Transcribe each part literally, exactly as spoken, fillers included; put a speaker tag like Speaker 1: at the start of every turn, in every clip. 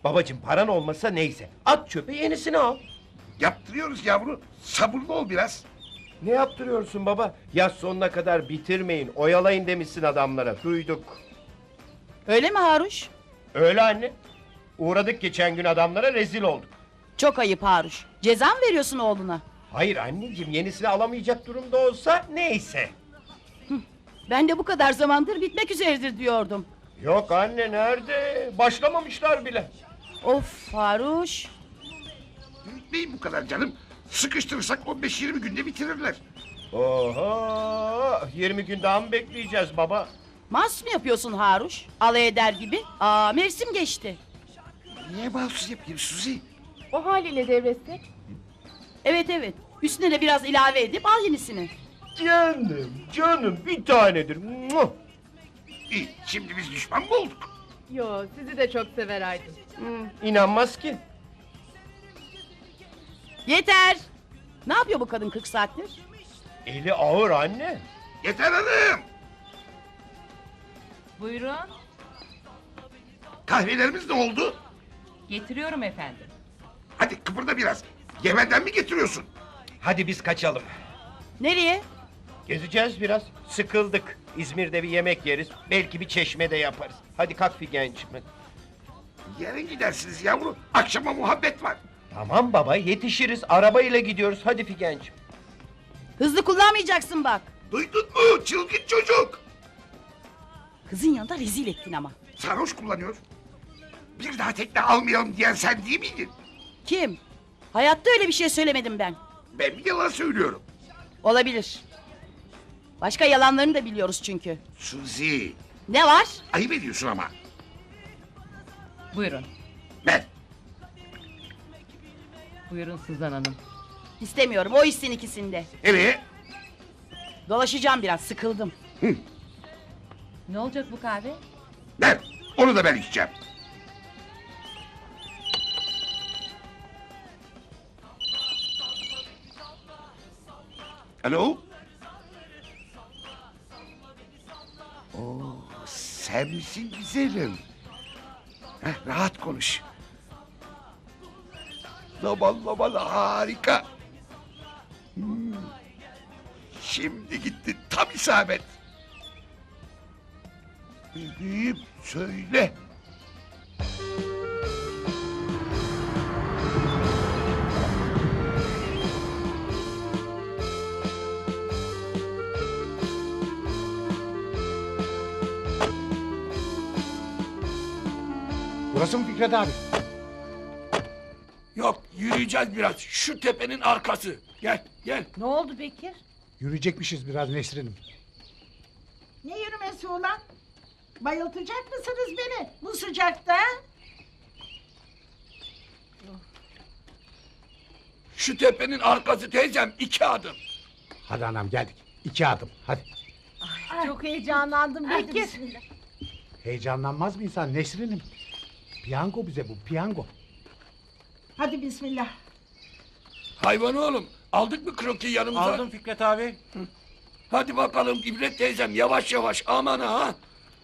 Speaker 1: Babacığım paran olmasa neyse. At çöpe yenisini al.
Speaker 2: Yaptırıyoruz yavru. Sabırlı ol biraz.
Speaker 1: Ne yaptırıyorsun baba? Yaz sonuna kadar bitirmeyin, oyalayın demişsin adamlara. Duyduk.
Speaker 3: Öyle mi Haruş?
Speaker 1: Öyle anne. Uğradık geçen gün adamlara, rezil olduk.
Speaker 3: Çok ayıp Haruş. Ceza mı veriyorsun oğluna?
Speaker 1: Hayır anneciğim, yenisini alamayacak durumda olsa neyse.
Speaker 3: Ben de bu kadar zamandır bitmek üzeredir diyordum.
Speaker 1: Yok anne, nerede? Başlamamışlar bile.
Speaker 3: Of Haruş.
Speaker 2: Büyütmeyin bu kadar canım. Sıkıştırırsak on beş yirmi günde bitirirler.
Speaker 1: Oho, yirmi gün daha mı bekleyeceğiz baba?
Speaker 3: Mas mı yapıyorsun Haruş? Alay eder gibi. Aa mevsim geçti.
Speaker 2: Niye mahsus yapayım Suzi?
Speaker 4: O haliyle devretsek.
Speaker 3: Evet evet. Üstüne de biraz ilave edip al yenisini.
Speaker 1: Canım, canım bir tanedir. Muah!
Speaker 2: İyi, şimdi biz düşman mı olduk?
Speaker 4: Yo, sizi de çok sever Aydın.
Speaker 1: Hmm, İnanmaz ki.
Speaker 3: Yeter. Ne yapıyor bu kadın kırk saattir?
Speaker 1: Eli ağır anne.
Speaker 2: Yeter hanım.
Speaker 5: Buyurun.
Speaker 2: Kahvelerimiz ne oldu?
Speaker 5: Getiriyorum efendim.
Speaker 2: Hadi kıpırda biraz. Yemen'den mi getiriyorsun?
Speaker 1: Hadi biz kaçalım.
Speaker 3: Nereye?
Speaker 1: Gezeceğiz biraz. Sıkıldık. İzmir'de bir yemek yeriz. Belki bir çeşmede yaparız. Hadi kalk Figen'cim.
Speaker 2: Yarın gidersiniz yavru. Akşama muhabbet var.
Speaker 1: Tamam baba, yetişiriz. Arabayla gidiyoruz. Hadi Figen'cim.
Speaker 3: Hızlı kullanmayacaksın bak.
Speaker 2: Duydun mu çılgın çocuk?
Speaker 3: Kızın yanında rezil ettin ama.
Speaker 2: Sarhoş kullanıyor. Bir daha tekne almayalım diyen sen değil miydin?
Speaker 3: Kim? Hayatta öyle bir şey söylemedim ben.
Speaker 2: Ben bir yalan söylüyorum.
Speaker 3: Olabilir. Başka yalanlarını da biliyoruz çünkü.
Speaker 2: Suzi,
Speaker 3: Ne var?
Speaker 2: ayıp ediyorsun ama.
Speaker 5: Buyurun.
Speaker 2: Ben.
Speaker 5: Buyurun Suzan Hanım.
Speaker 3: İstemiyorum, o içsin ikisinde.
Speaker 2: Nereye?
Speaker 3: Dolaşacağım biraz, sıkıldım.
Speaker 5: Ne olacak bu kahve?
Speaker 2: Ben. Onu da ben içeceğim. Alo? Oo, sen misin güzelim? Heh, rahat konuş. Laban laban harika. Hmm. Şimdi gitti tam isabet. Bebeğim söyle.
Speaker 6: Burası mı Fikret abi?
Speaker 7: Yok, yürüyeceğiz biraz. Şu tepenin arkası. Gel, gel.
Speaker 5: Ne oldu Bekir?
Speaker 6: Yürüyecekmişiz biraz Nesrin'im.
Speaker 8: Ne yürümesi ulan? Bayıltacak mısınız beni bu sıcakta?
Speaker 7: Şu tepenin arkası teyzem iki adım.
Speaker 6: Hadi anam geldik. İki adım hadi.
Speaker 8: Çok heyecanlandım Bekir.
Speaker 6: Heyecanlanmaz mı insan Nesrin'im? Piyango bize bu piyango.
Speaker 8: Hadi bismillah.
Speaker 7: Hayvan oğlum, aldık mı kroki yanımıza?
Speaker 6: Aldım Fikret abi.
Speaker 7: Hadi bakalım İbret teyzem, yavaş yavaş, aman ha.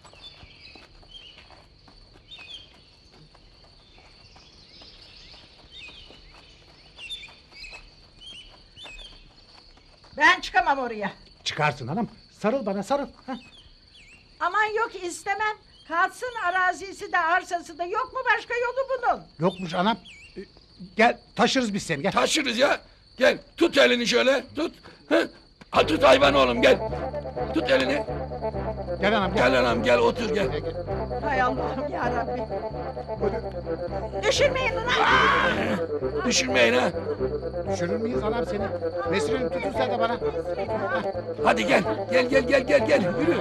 Speaker 8: Ben çıkamam oraya.
Speaker 6: Çıkarsın hanım. Sarıl bana sarıl. Heh.
Speaker 8: Aman yok istemem. Kalsın arazisi de arsası da yok mu başka yolu bunun?
Speaker 6: Yokmuş anam. Ee, Gel taşırız biz seni gel.
Speaker 7: Taşırız ya. Gel, tut elini şöyle, tut. Hı? Ha, tut hayvan oğlum, gel. Tut elini.
Speaker 6: Gel anam gel.
Speaker 7: Gel anam, gel otur gel.
Speaker 8: Hay Allah'ım ya Rabbi. Düşürmeyin ulan.
Speaker 7: Düşürmeyin ha.
Speaker 6: Düşürür müyüz anam seni? Nesrin'im tutun sen de bana.
Speaker 7: Hadi gel, gel gel gel gel gel, yürü.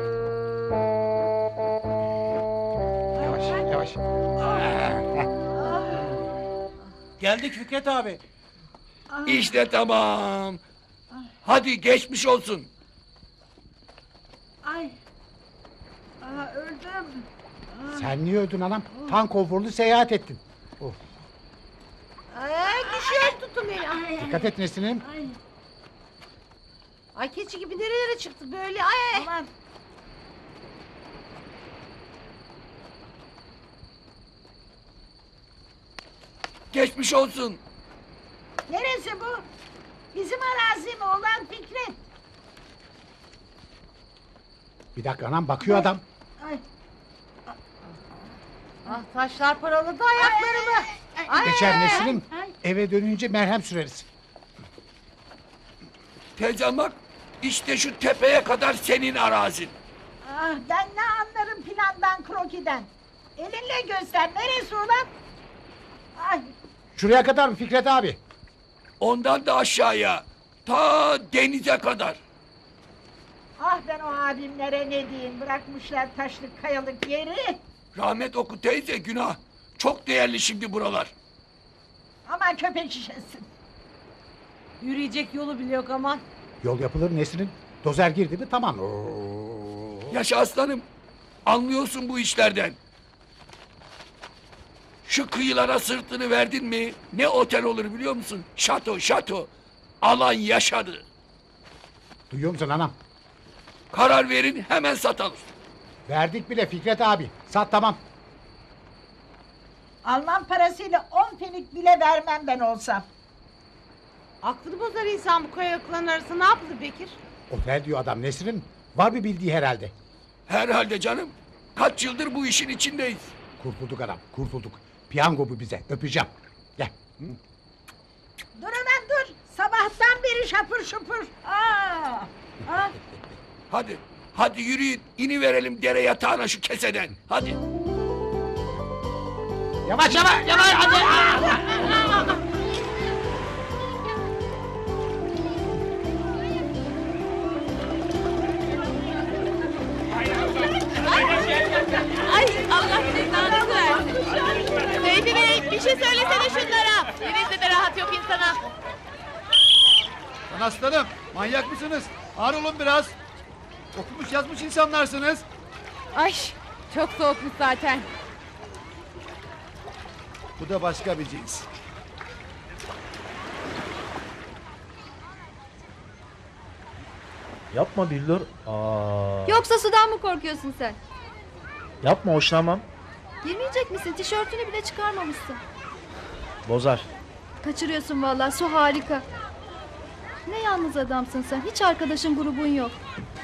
Speaker 6: Yavaş yavaş.
Speaker 9: Geldik Fikret abi.
Speaker 7: İşte tamam. Hadi geçmiş olsun.
Speaker 8: Ay. Aa, öldüm.
Speaker 6: Sen niye öldün anam? Tan konforlu seyahat ettin. Of.
Speaker 8: Ay düşüyor tutun beni. Ay,
Speaker 6: Dikkat et Nesrin'im.
Speaker 8: ay. Ay keçi gibi nerelere çıktı böyle ay. Aman.
Speaker 7: Geçmiş olsun.
Speaker 8: Neresi bu? Bizim arazi mi olan Fikret?
Speaker 6: Bir dakika anam bakıyor adam.
Speaker 8: Ay.
Speaker 5: Ah taşlar paraladı ayaklarımı.
Speaker 8: Ay,
Speaker 6: Geçer Nesrin.
Speaker 8: ay.
Speaker 6: Eve dönünce merhem süreriz.
Speaker 7: Teyzem bak, işte şu tepeye kadar senin arazin.
Speaker 8: Ah, ben ne anlarım plandan krokiden. Elinle göster neresi ulan? Ay,
Speaker 6: Şuraya kadar mı Fikret abi?
Speaker 7: Ondan da aşağıya, ta denize kadar.
Speaker 8: ah ben o abimlere ne diyeyim, bırakmışlar taşlık kayalık yeri.
Speaker 7: Rahmet oku teyze, günah. Çok değerli şimdi buralar.
Speaker 8: Aman köpek şişesin.
Speaker 5: Yürüyecek yolu bile yok aman.
Speaker 6: Yol yapılır Nesrin. Dozer girdi mi tamam.
Speaker 7: Yaşa aslanım, anlıyorsun bu işlerden. Şu kıyılara sırtını verdin mi ne otel olur biliyor musun? Şato şato. Alan yaşadı.
Speaker 6: Duyuyor musun anam?
Speaker 7: Karar verin hemen satalım.
Speaker 6: Verdik bile Fikret abi. Sat tamam.
Speaker 8: Alman parasıyla on fenik bile vermem ben olsam.
Speaker 5: Aklını bozar insan bu kayalıkların arasında ne yaptı Bekir?
Speaker 6: Otel diyor adam Nesrin. Var bir bildiği herhalde.
Speaker 7: Herhalde canım. Kaç yıldır bu işin içindeyiz.
Speaker 6: Kurtulduk adam kurtulduk. Piyango bu bize öpeceğim. Gel.
Speaker 8: Dur hemen dur. Sabahtan beri şapır şupur. Aa, ah.
Speaker 7: Hadi, hadi yürüyün. İni verelim dere yatağına şu keseden. Hadi.
Speaker 6: Yavaş yavaş yavaş hadi.
Speaker 3: Ay Allah cezanı versin. Seyfi Bey bir şey söylesene şunlara. Denizde de rahat yok insana.
Speaker 10: Lan aslanım manyak mısınız? Ağır olun biraz. Okumuş yazmış insanlarsınız.
Speaker 4: Ay çok soğukmuş zaten.
Speaker 10: Bu da başka bir cins.
Speaker 9: Yapma Billur. Aa.
Speaker 11: Yoksa sudan mı korkuyorsun sen?
Speaker 9: Yapma hoşlanmam.
Speaker 11: Girmeyecek misin? Tişörtünü bile çıkarmamışsın.
Speaker 9: Bozar.
Speaker 11: Kaçırıyorsun vallahi, su harika. Ne yalnız adamsın sen. Hiç arkadaşın grubun yok.